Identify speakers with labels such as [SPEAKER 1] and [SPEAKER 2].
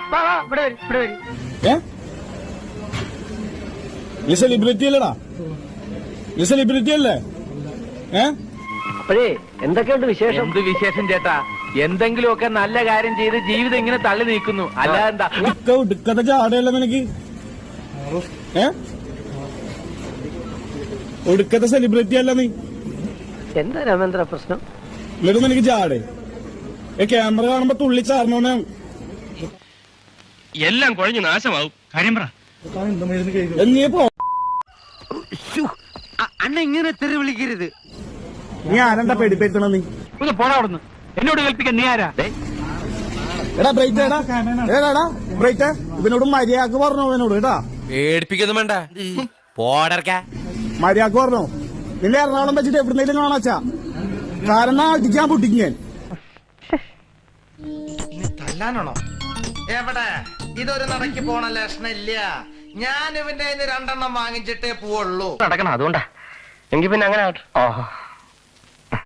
[SPEAKER 1] നീ സെലിബ്രിറ്റി അല്ലടാ, നീ സെലിബ്രിറ്റി അല്ലേ?
[SPEAKER 2] അപ്പോഴേ എന്തൊക്കെയുണ്ട് വിശേഷം?
[SPEAKER 3] എന്ത് വിശേഷം ചേട്ടാ? എന്തെങ്കിലുമൊക്കെ നല്ല കാര്യം ചെയ്ത് ജീവിതം ഇങ്ങനെ തള്ളി നീക്കുന്നു, അല്ലാതെന്താ?
[SPEAKER 1] ഒടുക്കത്തെ ചാടയല്ല നിനക്ക്, ഒടുക്കത്തെ സെലിബ്രിറ്റി അല്ല നീ.
[SPEAKER 2] എന്താ രാമേന്ദ്ര പ്രശ്നം?
[SPEAKER 1] എന്നിട്ട് നിനക്ക് ചാടേ ക്യാമറ കാണുമ്പോ തുള്ളി ചാർന്നോനെ
[SPEAKER 4] എല്ലാം കുഴഞ്ഞു നാശമാവും. കാര്യം പറ.
[SPEAKER 1] നീ പോ,
[SPEAKER 5] അണ്ണ ഇങ്ങനെ തെറി വിളിക്കരുത്.
[SPEAKER 1] നീ ആരെന്താ പേടിപ്പെടുത്തണ? നീ
[SPEAKER 3] ഒന്ന് പോടാ അവിടുന്ന്, എന്നോട് കേൾപ്പിക്കാൻ നീ ആരാ?
[SPEAKER 1] എടാ ബ്രൈറ്റ്, ഏടാ ബ്രൈറ്റ്, ഇവനോട് മര്യാദക്ക് പറഞ്ഞോ, ഇവനോട് കേട്ടാ.
[SPEAKER 4] പേടിപ്പിക്കൊന്നും വേണ്ട, പോടർക്ക.
[SPEAKER 1] മര്യാദക്ക് പറഞ്ഞോ. നിന്നെ എറണാകുളം വെച്ചിട്ട് എവിടുന്നേലും കാണാച്ചാ, കാരണം അടിക്കാൻ പൊട്ടിക്കും ഞാൻ.
[SPEAKER 5] തല്ലാനാണോ? എവിടെ? ഇതൊരു നടക്ക് പോണ ലക്ഷണില്ല. ഞാൻ ഇവന്റെ 2 എണ്ണം വാങ്ങിച്ചിട്ടേ പോവുള്ളൂ.
[SPEAKER 2] നടക്കണം, അതുകൊണ്ടാ. എങ്കിൽ പിന്നെ അങ്ങനെ